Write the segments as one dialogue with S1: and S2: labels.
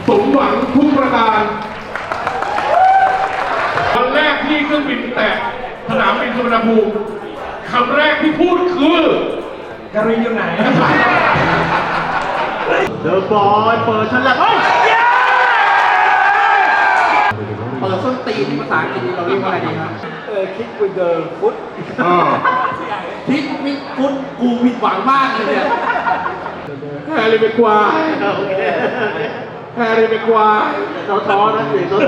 S1: สมหวังทุกประการวันแรกที่เครื่องบินแตะสนามบินสุวรรณภูมิคำแรกที่พูดคือการินอยู่ไหน
S2: เดอะบอยเปิดฉลับเ
S3: ปิดส้นตีนภาษาอังกฤษเราเรียกว่าอะไรดีครับ
S2: คิกวิดเดอร์ฟุต
S3: คิกวิดฟุตกูผิดหวังมากเลยเนี่ย
S1: แฮร์รี่เบกวายแฮร์รี่เบกวาย
S2: ท้อนะเสียงท้อ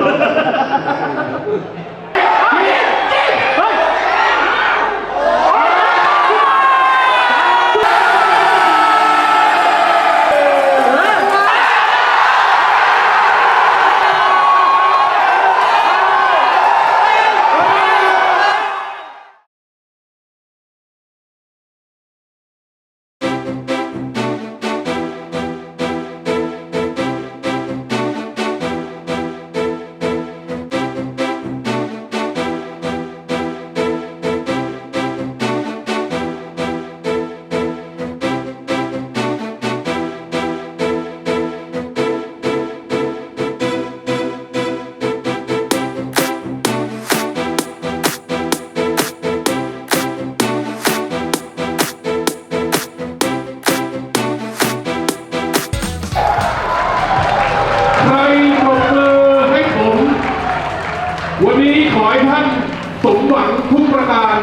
S1: วันนี้ขอให้ท่านสมหวังทุกประการ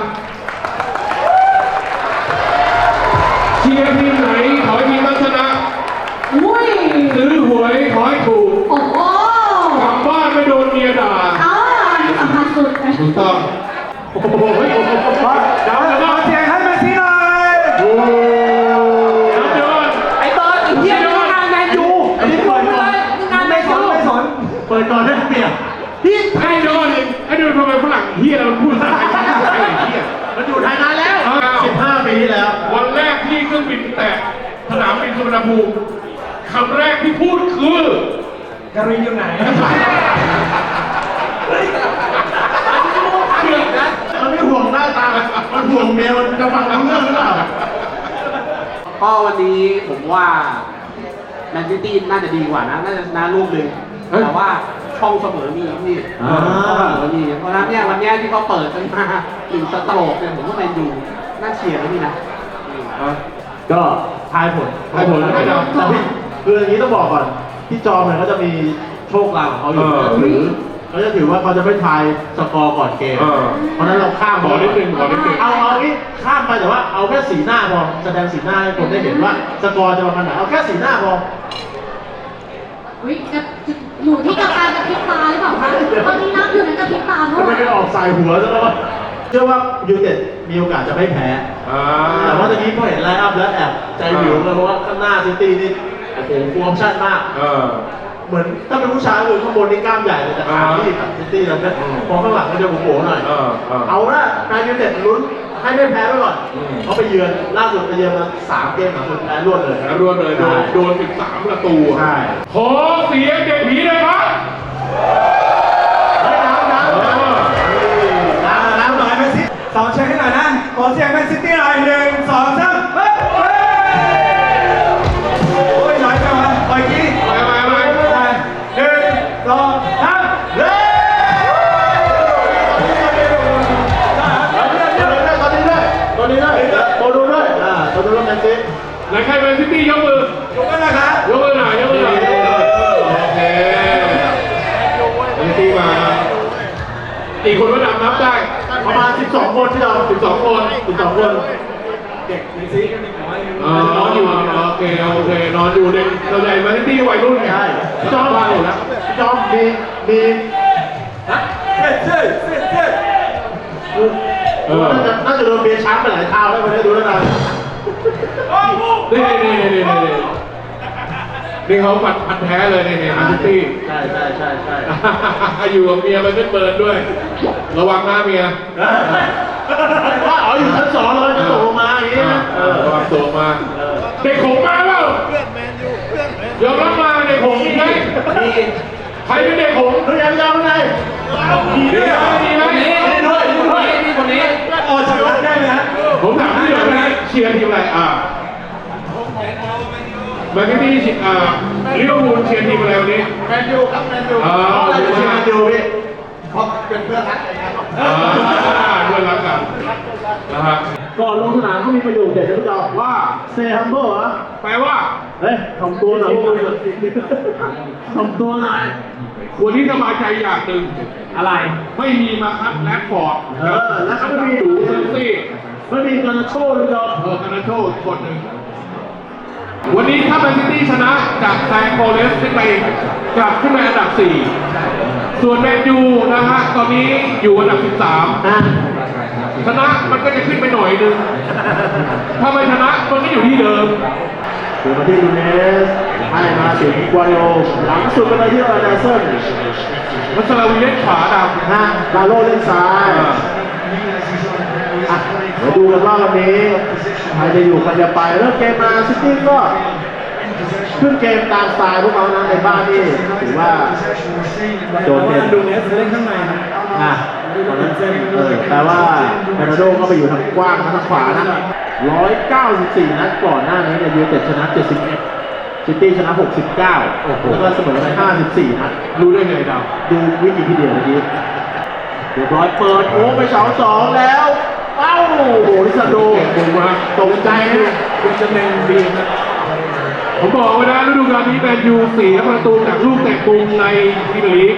S1: เชียร์ทีมไหนขอให้ทีมนั้นชนะซื้อหวยขอให้ถูก
S4: โอ้โห
S1: กลับบ้านไม่โดนเมียด่า
S4: นี่สำคัญสุด
S1: ถูกต้อง
S2: โอ้โหเดี๋ยวเสียงให้มาสิหน่อย
S1: โอ้ยอด
S3: ไอ้เบิร์ดไอ้เหี้ยนี่งานแมนยู
S2: อันนี้เปิดก่อน
S3: งานไม่สน
S2: เปิดก่อนได้เปรียบ
S1: พี่ไอ้โดนทำไมฝรั่งเฮียเราพูดภาษาไทยเฮีย
S2: มันอยู่ไทยนานแล้ว15 ปีที่แล้ว
S1: วันแรกที่เครื่องบินแตะสนามบินสุวรรณภูมิคำแรกที่พูดคือการินอยู่ไหน
S2: มันไม่ห่วงหน้าตามันห่วงเมียมันจะฟังรู้เรื่องหรือเปล่า
S3: ก็วันนี้ผมว่าแมนซิตี้น่าจะดีกว่านะน่าจะชนะลูกหนึ่งแต่ว่าช่องเสมอมีพี่ช่องเสมอมีเพราะนั้นเนี่ยวันนี้ที่เขาเปิดกันมา1 สโตรกเนี่ยผมก็แมนยูน่าเชียร์นะพี่นะ
S2: ก็ทายผลแล้วไม่เอาคืออย่างนี้ต้องบอกก่อนพี่จอมเนี่ยเขาจะมีโชคลางของเขาอยู่เขาจะถือว่าเขาจะไม่ทายสกอร์ก่อนเกมเพราะนั้นเราข้าม
S1: ขอนิดนึง
S2: เอางี้ข้ามไปแต่ว่าเอาแค่สีหน้าพอแสดงสีหน้าให้คนได้เห็นว่าสกอร์จะประมาณไหนเอาแค่สีหน้าพอ
S4: อยู่ที่การกระพริบตาหรือเปล่าคะตอนนี้นับอยู่นั้นกระพริบตาเท่าไหร่
S2: ไม่ได้ออกสายหัวซะแล้วเชื่อว่ายูเต็ดมีโอกาสจะไม่แพ้แต่ว่าตอนนี้พอเห็นไลน์อัพแล้วแอบใจวิวเลยเพราะว่าข้างหน้าซิตี้นี่โอ้โหฟูลออปชั่นมากเหมือนถ้าเป็นผู้ชายคือข้างบนนี่กล้ามใหญ่เลยแต่ขาที่ซิตี้แล้วเนี่ยพอข้างหลังก็จะโผล่หน่อยเอาละนายยูเต็ดลุ้นให้ไม่แพ้ไปก่อนเขาไปเยือนล่าสุดไปเยือนมา3 เกมหลังสุดแพ้รวดเลย
S1: โดน13 ประตู
S2: ใช่
S1: ขอเสียงเด็กผีเลยครับ
S2: น้ำหน่อยแมนซิตี้สองเชียร์ให้หน่อยนะขอเสียงแมนซิตี้หน่อย1 2 3โอ้ยน้อยจังวะปล่อยกี้
S1: ไป1 2 3
S2: ตัวนี้ด้วยตัวดูด้วยตัวดูด้วยแมนซิตี้
S1: ไหนใครแมนซิตี้ยกมือยกมือนะครับยกมือหน่อยโอเคแมนซิตี้มาอีกคนว่านับได้
S2: ประมาณ12 คนที่เรา
S1: 12 คน
S2: เด็กแมนซิตี้กัน
S1: นอนอยู่โอเคนอนอยู่เด็กเราใหญ่แมนซิตี้วัยรุ่นไง
S2: จอมบ้านอยู่แล้วจอมมีเจ๊น่าจะโดนเบียร์ช้ำไปหลายเท้าแล้วไม่ได้ดูแล้วนะ
S1: นี่เขาพันแท้เลยในแมนซิตี้
S2: ใช่
S1: อยู่กับเมียมันเปิดด้วยระวังหน้าเมีย
S2: ว่าอยู่ชั้น2เลยจะตกลงมาอย่างนี้นะ
S1: ระวังตกมาเด็กหงมาเปล่ายอมรับมาเด็กหงมีไหมใครเป็นเด็กหง
S2: เขายังไง
S1: ดีไหม
S3: นี่คนนี้
S2: ออกจากได้ไหมฮะ
S1: ผมถามที่เดียวนะเชียร์ทีมอะไรแมนซิตี้ลิเวอร์พูลเชียร์ทีมอะไรวันนี้
S2: แมนยูครับแมนยู
S1: อ๋อ
S2: เพราะอะไรถึงเชียร์แมนยูพี่เพราะเป็นเพื่อนรักกันครับ
S1: เพื่อนรักกันนะฮะ
S2: ก่อนลงสนามเขามีประโยคเด็ดนะพี่จอมว่า stay humble เหรอ
S1: แปลว่า
S2: เฮ้ยทำตัวหน่อยทำตัวหน่อย
S1: วันนี้สบายใจอย่างหนึ่ง
S3: อะไร
S1: ไม่มีมาคัดแรดฟอร์ด
S2: แล้วก็ไม่มี
S1: ดูเซนซี่
S2: ไม่มีการโชว์เลยพี่จอม
S1: คานาโชอีกคนหนึ่งวันนี้ถ้าแมนซิตี้ชนะจากแซงโฟเรสต์ขึ้นไปกลับขึ้นไปอันดับ 4 ส่วนแมนยูนะฮะตอนนี้อยู่อันดับ 13 ชนะมันก็จะขึ้นไปหน่อยนึง ถ้าไม่ชนะมันก็อยู่ที่เดิม
S2: เดี๋ยวมาที่ดูเนสให้มาถึงกวาโยหลังสุดไปเลยที่ไรเดอร์เซน
S1: มัสลาวีเล่นขวาดำ
S2: นะดาโลเล่นซ้ายเดี๋ยวดูกันว่าวันนี้ใครจะอยู่ใครจะไปเริ่มเกมมาซิตี้ก็ขึ้นเกมตามสไตล์พวกเขานะในบ้านนี่ถือว่าโดดเด่น
S3: ดูเนสเล่นข้างในนะ
S2: ตอนนั้นแปลว่าเบรนาโดก็ไปอยู่ทางกว้างทางขวานะ194 นัดก่อนหน้านี้เนี่ยยูเต็ดชนะ 71 ซิตี้ชนะ 69 แล้วก็เสมอไป54 นัด
S1: รู้ได้ไงดาว
S2: ดูวิกิพีเดียเมื่อกี้เรียบร้อยเปิดโค้งไปเสา2แล้วเอ้าโอ้โหลิซาโด
S1: ผมว่า
S2: ตกใจนะ
S3: คุณจะเป็นดีนะ
S1: ผมบอกไว้นะฤดูกาลนี้แมนยูเสียประตูจากลูกเตะมุมในพรีเมียร์ลีก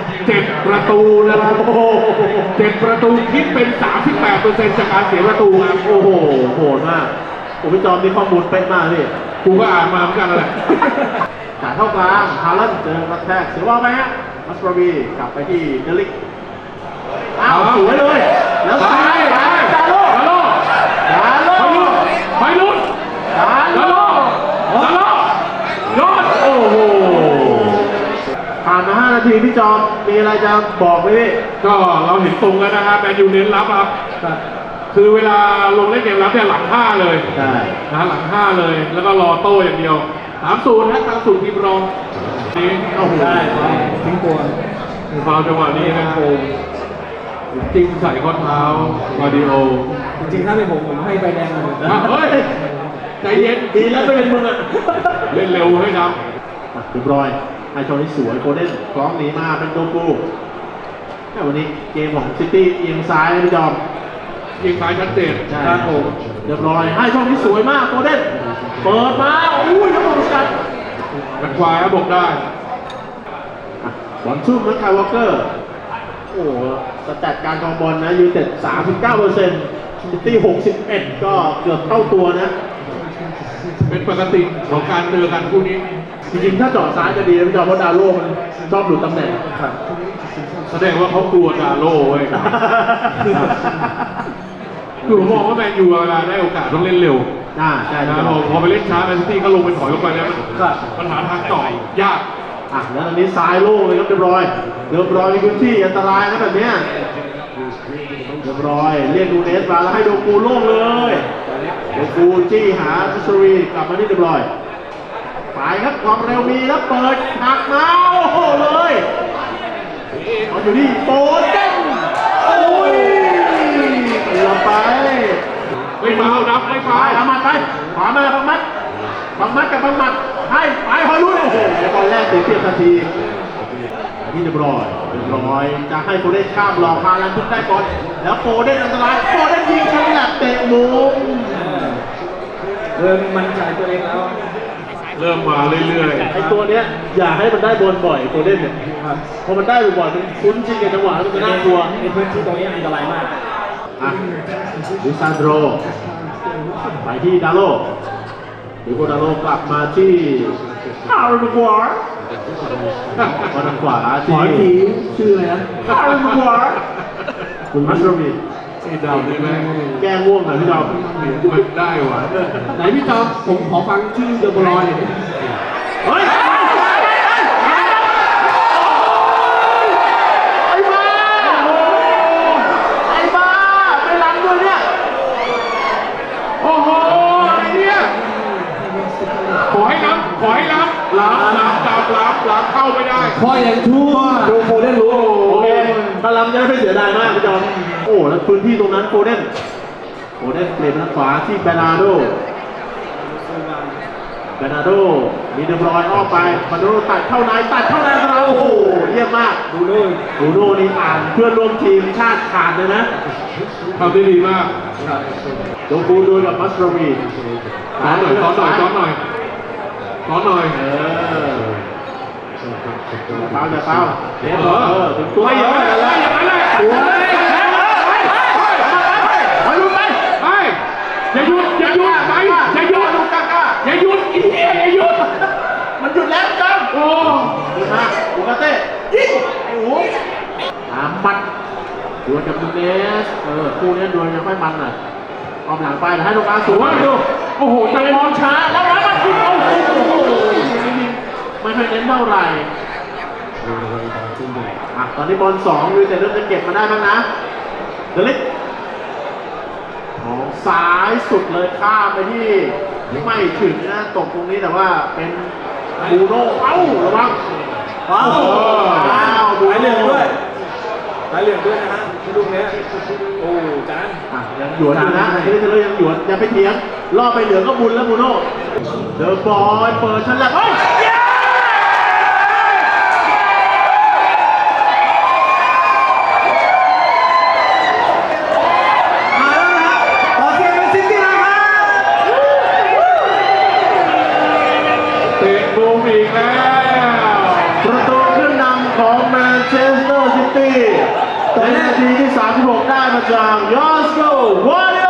S1: 7 ประตูนะครับ
S2: โอ้โห
S1: 7 ประตูคิดเป็น 38% จากการเสียประตูครับ
S2: โอ้โหโหดมากผมพี่จอมนี่ข้อมูลเป๊ะมากพี่
S1: กูก็อ่านมาเหมือนกันนั่นแหละ
S2: จ่ายเข้ากลางฮาลันเจอกระแทกเสียว่าไหมฮะมัสปราวีกลับไปที่เดลิกอ้าวสวยเลย แล้วซ้ายดาโล
S1: ดาโล
S2: ดาโล
S1: ไปลุ้น
S2: ดา
S1: ดา
S2: โล
S1: โลดาโลยอด
S2: โอ้โหผ่านมา 5 นาทีพี่จอมมีอะไรจะบอกไหมพี่
S1: ก็เราเห็นตรงแล้วนะครับแมนยูเน้นรับครับ คือเวลาลงเล่นเกมรับเนี่ยหลัง 5 เลย
S2: ใช่
S1: นะหลัง 5 เลย แล้วก็รอโต้อย่างเดียว 3-0นะทางสู่ทีมรองนี่
S2: โอ้โห
S3: ทิ้งตัว
S1: ฟาวล์จังหวะนี้นะโอ้จริงใส่ข้อเท้ามาดิโอ
S3: จริงๆถ้าเป็นผมให้ใบแดงเลย
S1: อ่ะเฮ้ย ใจเย็น
S2: ดีแล้วไม่เป็นมึงอ่ะ
S1: เล่นเร็วให้ครับ
S2: เรียบร้อยไฮโชนี่สวยโคเด้นคล้องหนีมาเป็นโดกูแต่วันนี้เกมของซิตี้เอียงซ้ายนะพี่จอม
S1: ยิงซ้ายชัดเจน
S2: ครับผมเรียบร้อยให้ช่องนี้สวยมากโคเด้นเปิดมาอุ้ยน้ำมันกัด
S1: มันควายครับบอกได้
S2: บอลชุ่มนะคายวอลเกอร์โอ้โหสแตทการครองบอลนะยูเต็ด 39%ซิตี้ 61 ก็เกือบเท่าตัวนะ
S1: เป็นปกติของการเจอกันคู่นี้
S2: จริงๆถ้าเจาะซ้ายจะดีนะพี่จอมเพราะดาโล่มันชอบหลุดตำแหน่ง
S1: แสดงว่าเขากลัวดาโล่เว้ย คือผมมองว่าแมนยูเวลาได้โอกาสต้องเล่นเร็ว
S2: ใช่
S1: นะ
S2: ค
S1: พอไปเล่นช้าแมนซิตี้ก็ลงไปถอยลงไปแล้วมันหาทางต่อยยาก
S2: แล้วตอนนี้ซ้ายโล่งเลยครับเรียบร้อยมีพื้นที่อันตรายนะแบบเนี้ยเรียบร้อยเรียกดูเนสมาแล้วให้โดกูโล่งเลยโดกูจี้หาทิชรีกลับมาที่เรียบร้อยไปครับความเร็วมีแล้วเปิดหักมาโอ้โหเลยมันอยู่ที่โปเด้งโอ้ยเกือบไป
S1: ไม่ฟาวนับไม่
S2: ไป
S1: ฟาว
S2: เอามัดไปขวามาบังมัดกับบังมัดให้ไปฮอยลุยโอ้โหตอนแรกเสียเปรียบทันทีที่เรียบร้อยจะให้โฟเดนข้ามหลอกฮาลันทุกได้ก่อนแล้วโฟเดนอันตรายโฟเดนยิงฉลับเตะมุม
S3: เริ่มมั่นใจตัวเองแล้ว
S1: เริ่มมาเรื่อย
S2: ไอตัวเนี้ยอย่าให้มันได้บอลบ่อยโฟเดนเนี่ยพอมันได้บ่อยๆมันคุ้นชินกับจังหวะแล้วมันจะน่ากลัว
S3: ในพื้นที่ตรงนี้อันตรายมาก
S2: ลิซานโดรไปที่ดาโลดิโกดาโลกลับมาที่ฮาร์ดวอร์บอลทางขวาที่ชื่ออะไรนะฮาร์ดวอร์คุณมัสโรมี
S1: ๆไอ้ดาวนี่แม่ง
S2: แก้ง่วงหน่อยพี่ดอม
S1: มันได้ว่ะ
S3: ไหนพี่จอมผมขอฟังชื่อเดอะบอลอยหน่อย
S2: เฮ้ยไอ้บ้าไปล้างด้วยเนี่ย
S1: โอ้โหไอ้เนี่ยขอให้รับเข้าไม่ได้
S3: พออย่างชั่วดูโฟเดนรู้
S2: โอเคถ้าล้ำจะไม่เสียดายมากพี่จอมโอ้แล้วพื้นที่ตรงนั้นโฟเดนเปลี่ยนทางขวาที่เบนาโดเบนาโดมีเดบรอยน์อ้อมไปเบนาโดตัดเข้าในเราโอ้โหเยี่ยมมากบูโน่นี่อ่านเพื่อนร่วมทีมชาติขาดเลยนะ
S1: ทำได้ดีมาก
S2: โดกูดูกับมัสโรวี
S1: ซ้อนหน่อยเ
S2: ปล่าถึงตัว
S1: ไม่อย่างนั้นเลย
S2: ตัวไปลุ้นไป
S1: อย่าหยุดอย่าหยุดอีเหี้ยอย่าหยุด
S2: มันหยุดแล้วจัง
S1: โอ้
S2: ดีมากอูกาเต้ยิงไอ้หูมัดดวลกับนูเนสคู่นี้ดวลยังค่อยมันหน่อยออมหลังไปให้ลูกอาสูงดู
S1: โอ้โหใจมองช้า
S2: แล้วมายิงโอ้โหไม่ค่อยเน้นเท่าไหร่ตอนนี้บอล2อยู่แต่เริ่มจะเก็บมาได้บ้างนะเดลิกของซ้ายสุดเลยข้ามไปที่ไม่ถึงนะตกตรงนี้แต่ว่าเป็นบูโน่ระวังบูโน่ด้วย
S5: สายเหลืองด้วยนะฮะที่ลูกเนี้ยโอ้จาน
S2: ยังหยวนอยู่นะที่นี่เรายังหยวนยังไปเถียงล่อไปเหลืองก็บุญแล้วบูโน่เดอะบอยเปิดชั้นแรกมา
S5: แล้วนะฮะขอเชียร์แมนซิตี้หน่อยครับ
S1: เตะบูมอีกแล้ว
S2: ประตูขึ้นนำของแมนเชสเตอร์ซิตี้ในนาทีที่ 36 ได้มาจากยอสโกวาริโอ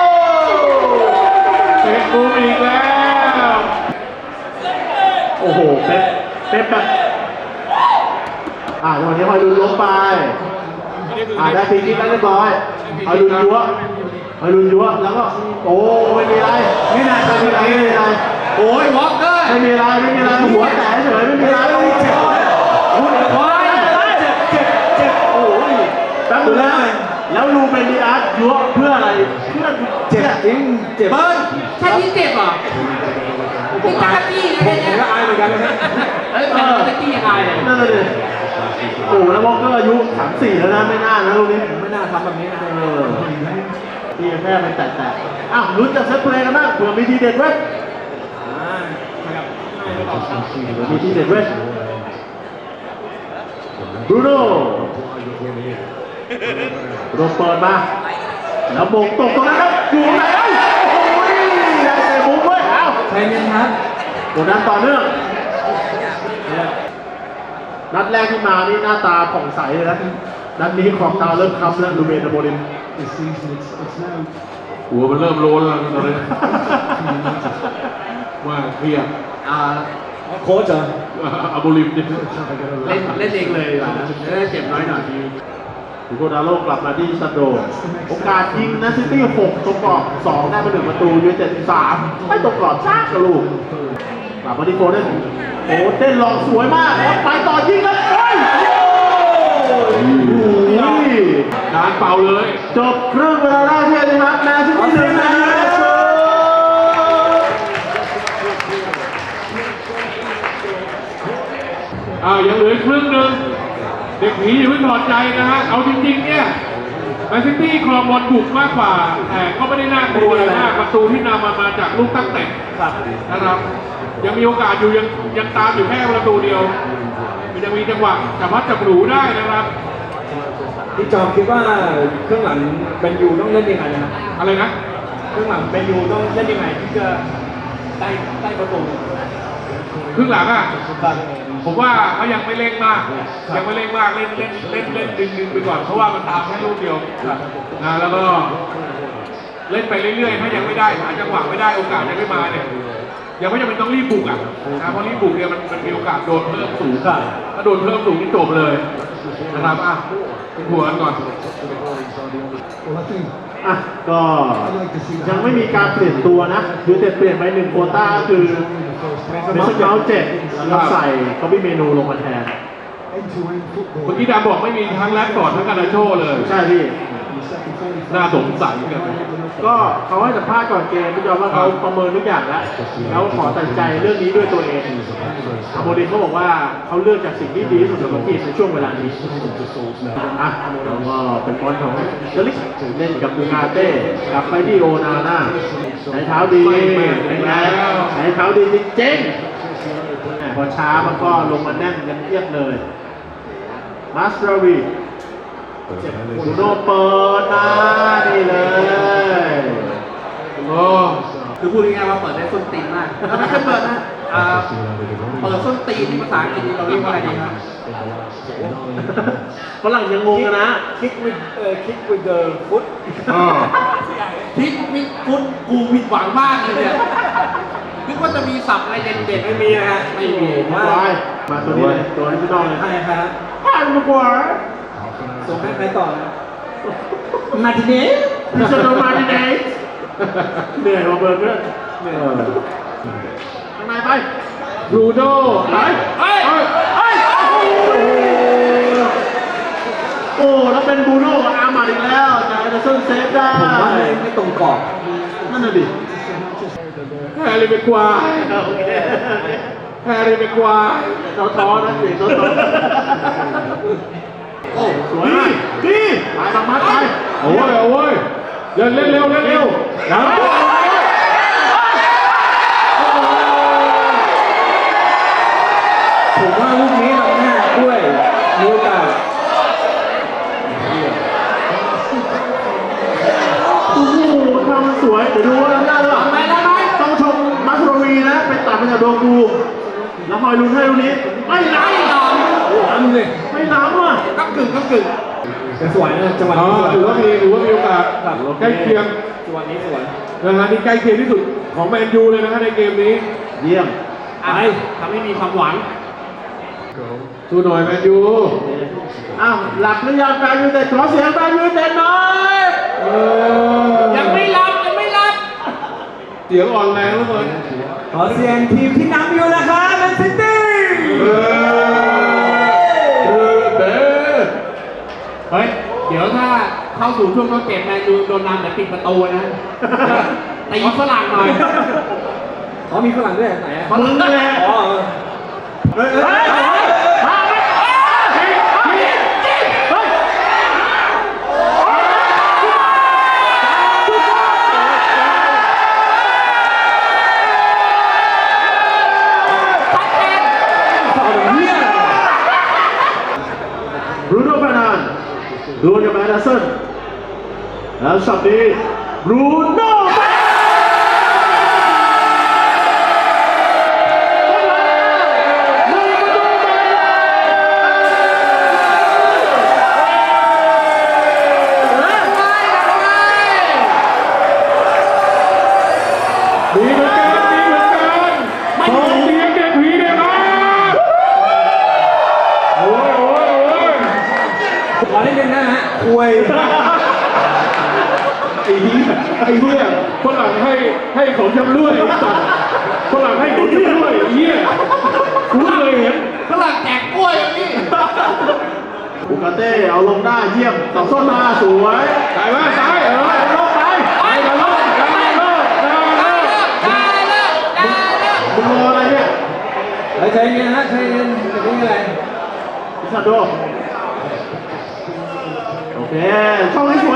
S1: เตะบูมอีกแล้ว
S2: โอ้โหเป๊ปแบบจังหวะนี้คอยลุนล้มไปได้ฟรีคิกแล้วเรียบร้อยคอยลุนยัวแล้วก็โอ้ไม่มีอะไรไม่มีอะไรโอ้ยวอล์กเกอร์ไม่มีอะไรหัวแตกเฉยไม่มีอะไรเจ็บโอ้ยแป๊บนึงนะแล้วลูเบนิอาร์ยัวเพื่ออะไรเพื่อเจ็บจริงเจ็บ
S3: เบิร์นแค่นี้เจ็บเหรอเป็นจักรจี้นะ
S5: ผม
S3: เนี่ย
S5: ก็อายเหมือนกันนะฮะ
S3: เป็นจักรจี้ยังไงเลย
S2: นั่นเลยโอ้แล้ววอลเกอร์อายุ34แล้วนะไม่น่านะลูกนี้
S5: ไม่น่าทำแบบนี้นะ
S2: ที่แค่เป็นแตะลุ้นจากเซตเพลย์กันบ้างเผื่อมีทีเด็ดเว้ย
S5: ครับง่ายไม่ต่อครับ
S2: มีทีเด็ดเว้ยบรูโน่โดนเปิดมาแล้วโบกตกตรงนั้นครับอยู่ไหนโอ้ยได้เตะบุ้งเว้ย
S5: ใจเย็นครับ
S2: กดดันต่อเนื่องนัดแรกที่มานี่หน้าตาผ่องใสเลยนะนัดนี้ขอบตาเริ่มค้ำแล้วลูเบนโบลิน
S1: หัวมันเริ่มโลนแล้วตอนนี้ว่าเครียด
S5: โค้ชเหรอ
S1: อาบูลิมเนี่ย
S3: เล่นเองเลยดีกว่านะจะได้เจ็บน้อยหน่อย
S2: ดูโกดาโลกลับมาที่ซันโดโอกาสยิงนะซิตี้6ตรงกรอบ2ได้มา1ประตูยูไนเต็ด3ไม่ตรงกรอบซ่ากระลูกกลับมาที่โฟเดนโอ้เต้นหลอกสวยมากแล้วไปต่อยิงแล้วโอ้ย
S1: งานเป่าเลย
S2: จบครึ่งเวลาแรกที่นะครับแมนซิตี้1นะ
S1: ยังเหลือครึ่งหนึ่งเด็กผีอย่าเพิ่งถอดใจนะฮะเอาจริงๆเนี่ยแมนซิตี้ครองบอลบุกมากกว่าแต่ก็ไม่ได้น่ากลัวอะไรมากประตูที่นำมาจากลูกตั้งแต่นะครับยังมีโอกาสอยู่ยังตามอยู่แค่ประตูเดียวมันยังมีจังหวะจับพัดจับหนูได้นะครับ
S5: พี่จอมคิดว่าเครื่องหลังแมนยูต้องเล่นยังไงนะ
S1: อะไรนะ
S5: เครื่องหลังแมนยูต้องเล่นยังไงที่จะได้ประตู
S1: ครึ่งหลังอ่ะ
S5: ครับ
S1: ผมว่าเขายังไม่เร่งมากยังไม่เร่งมากเล่นดึงไปก่อนเพราะว่ามันตามแค่ลูกเดียวนะแล้วก็เล่นไปเรื่อยๆถ้ายังไม่ได้หาจังหวะไม่ได้โอกาสยังไม่มาเนี่ยยังไม่จำเป็นต้องรีบบุกอ่ะนะเพราะรีบบุกเนี่ยมันมีโอกาสโดนเพิ่มสูงถ้าโดนเพิ่มสูงนี่จบเลยนะครับหัวกันก่อน
S2: ก็ยังไม่มีการเปลี่ยนตัวนะยูเต็ดเปลี่ยนไป1โควต้าคือเมสเซอร์เจ็ดแล้วก็ใส่เขามีเมนูลงมาแทน
S1: เมื่อกี้ดำบอกไม่มีทั้งแรดฟอร์ดทั้งการนาโชเลย
S2: ใช่พี่
S1: น่าสงสัยกัน
S2: ก็เขาให้สัมภาษณ์ก่อนเกมพี่จอมว่าเขาประเมินทุกอย่างแล้วแล้วขอตัดสินใจเรื่องนี้ด้วยตัวเองอาโมริมเขาบอกว่าเขาเลือกจากสิ่งที่ดีที่สุดสำหรับทีมในช่วงเวลานี้อ่ะแล้วก็เป็นบอลของเดลิกเล่นกับบูกาเต้กลับไปที่โอนาน่าใช้เท้าดีเป็นไงใช้เท้าดีจริงๆพอช้ามันก็ลงมาแน่นกันเทียบเลยมาสราวีบูโน่เปิดมานี่เลย
S1: โอ้
S3: คือพูดง่ายๆว่าเปิดได้ส้นตีนมากแล้วไม่ใช่เปิดนะเปิดส้นตีนที่ภาษาอังกฤษนี่เราเรียกว่าอะไรดีครับ
S2: ฝรั่งยังงงกันนะ
S5: kick with the foot
S3: พิกมิฟุตกูผิดหวังมากเลยเนี่ยนึกว่าจะมีศัพท์อะไรเด่นๆไม่มีนะฮะไม่มี
S2: มาตัวนี้เลยตัวนี้พี่น้องเลย
S5: ใครครับ
S2: ผ่านมากว่า
S5: ส่งให้ใครต่อนะมาติเน่
S2: พิชโนมาดิเนสเหนื่อยมาเบิร์นด้วยทำไมไป
S1: บรูโน่ไป
S2: โอ้แล้วเป็นบูโน่กับอาร์มาอีกแล้วจากเอเดอร์สันเซฟได้
S5: ผมว่าไม่ตรงกรอบ
S2: นั่นน่ะดิ
S1: แฮร์รี่เมกควาย
S2: โอเค
S1: แฮร์รี่เมกควาย
S2: ท้อๆนะเสียงท้อโอ้สวยดีไปบางมัดไป
S1: โอ้ยโอ้ยเล่นเร็วเล่นเร็วนะ
S5: ผมว่าลูกนี้เราหน้าด้วยมีโอกาส
S2: โอ้โหทำสวยเดี๋ยวดูว่าทำได้หรือเปล่าต้องชมมัสโรวีนะไปตัดมาจากโดกูแล้วคอยลุ้นให้ลูกนี้ไม่ล้ำ
S5: ล้ำเลย
S2: ไม่ล้ำอ่ะ
S3: ก็กึ่ง
S5: แต่สวยนะจังหวะ
S1: อ๋อ
S5: นี้สวย
S1: ถือว่ามีโอกาสใกล้เคียง
S5: จังหวะนี้สวย
S1: นะฮะนี่ใกล้เคียงที่สุดของแมนยูเลยนะฮะในเกมนี้
S2: เยี่ยม
S3: ไปทำให้มีความหวัง
S1: สู้หน่อยแมนยู
S2: อ้าวหลับหรือยังแฟนยูไนเต็ดขอเสียงแฟนยูไนเต็ดหน่อย
S3: ยังไม่รับยังไม่รับ
S1: เสียงอ่อนแรงแล้วเลย
S5: ขอเสียงทีมที่นำอยู่นะคะแมนซิตี้
S3: เฮ้ยเดี๋ยวถ้าเข้าสู่ช่วงต้นเกมแมนยูโดนนำเดี๋ยวปิดประตูนะตีฝรั่งหน่อย
S5: เขามีฝรั่งด้วยไหนอ่ะ
S2: มึงแหละ
S5: อ๋อเฮ้ยเฮ้ย
S2: บรูโน่ฟานันดวลกับแอเดอร์สันแล้วช็อตนี้บรูโน่
S1: ดีเหมือนกันดีเหมือนกันของเสียงเด็กผีเนี่ยนะโอ้ยโอ้ยโอ้ย
S5: ขอเล่นกันนะฮะคุย
S1: ไอ้เหี้ยฝรั่งให้ของชำร่วยสัตว์ฝรั่งให้ของชำร่วยไอ้เหี้ยกูเคยเห็น
S3: ฝรั่งแจกกล้วยนี่
S2: บูกาเต้เอาลงได้เยี่ยมสองส้นมาสวย
S1: ตายว่าตาย
S2: ล
S1: เออ
S2: งไป
S1: ตายกันแล้วตายกันแล้วตายกันแล้ว
S2: มึงรออะไรเนี่ย
S5: ใช้เงินฮะใช้เงินจะได้อะไร
S2: พิซาโดโอเคช่องนี้สวย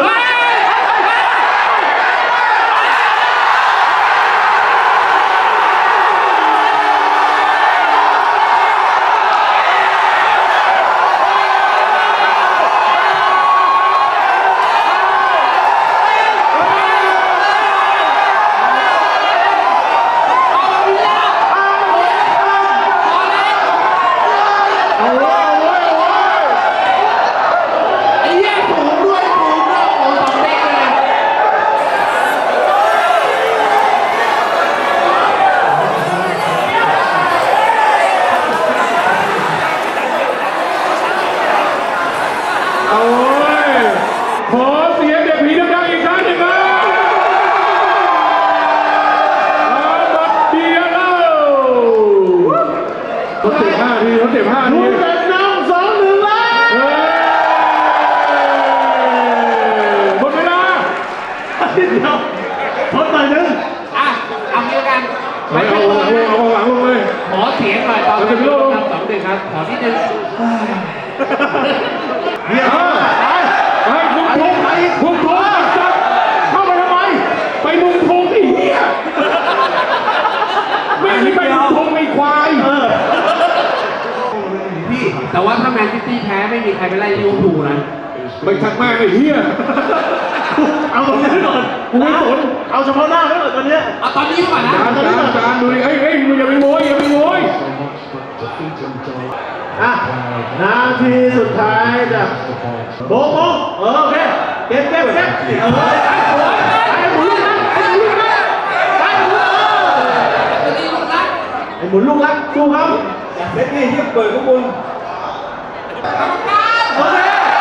S3: กัน
S1: ไม่เอาหลังลงเลย
S3: ขอเสียงหน่อยตอนเป็นลูกทำ2-1ครับขอนิดนึง
S2: เนี่ย
S1: เฮ้ยมุมทงมุมทงจับเข้าไปทำไม ไปมุมทงไอ้เหี้ยไม่ใช่ไปมุมทงไอ้ควาย
S2: พี่
S3: แต่ว่าถ้าแมนซิตี้แพ้ไม่มีใครไปไล่ลิเวอร์พูลนะ
S1: ไปชักแม่ไอ้เหี้ย
S2: เอาตรงนี้ก่อน
S1: กูไม่สน
S2: เอาเฉพาะหน้าไว้ก่อนตอนเนี้ย
S3: เอาตอนนี้ก่อนนะ
S1: จานดูดิเฮ้ยมึงอย่าไปโวยอย่าไปโวย
S2: อ่ะนาทีสุดท้ายจ้ะโบกโอเคเก็บไอ้หมุนลูกรักไอ้หมุนลูกรักสู้เขา
S5: เล็กนี่ที่เปิดข้างบน
S2: โอเค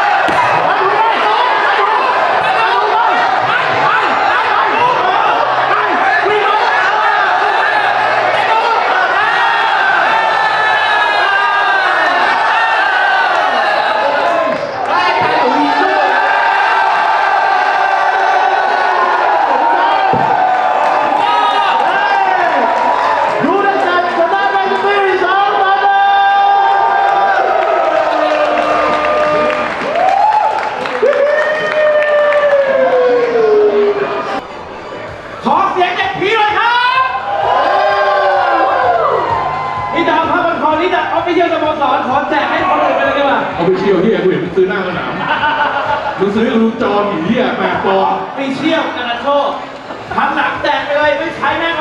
S2: ขอเสียงจากพี่เลยครับนี่ดาวพระบันคอนี่ดาวเอาไปเยี่ยมสโมสรขอแจกให้คนอื่นไปเลยดีกว่า
S1: เอาไปเชียวเหี้ยกูเห็นมึงซื้อหน้าสนามมึงซื้อดูจอผีเหี้ย8 ปอนด์
S2: ไปเชี่ยวกันนะโชคทำหลังแจกไปเลยไม่ใช้แม่ง